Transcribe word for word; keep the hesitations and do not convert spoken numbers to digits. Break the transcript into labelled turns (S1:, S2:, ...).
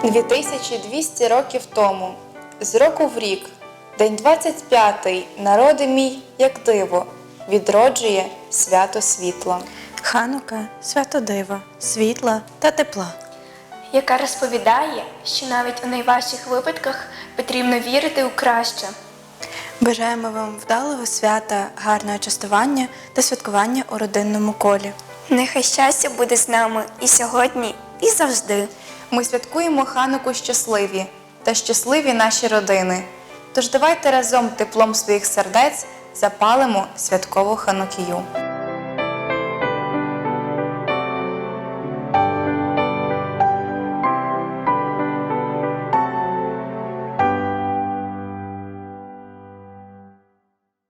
S1: дві тисячі двісті років тому, з року в рік, день двадцять п'ятий, народи мій, як диво, відроджує свято світла.
S2: Ханука – свято дива, світла та тепла.
S3: Яка розповідає, що навіть у найважчих випадках потрібно вірити у краще.
S2: Бажаємо вам вдалого свята, гарного частування та святкування у родинному колі.
S3: Нехай щастя буде з нами і сьогодні, і завжди.
S1: Ми святкуємо Хануку щасливі та щасливі наші родини. Тож давайте разом теплом своїх сердець запалимо святкову ханукію.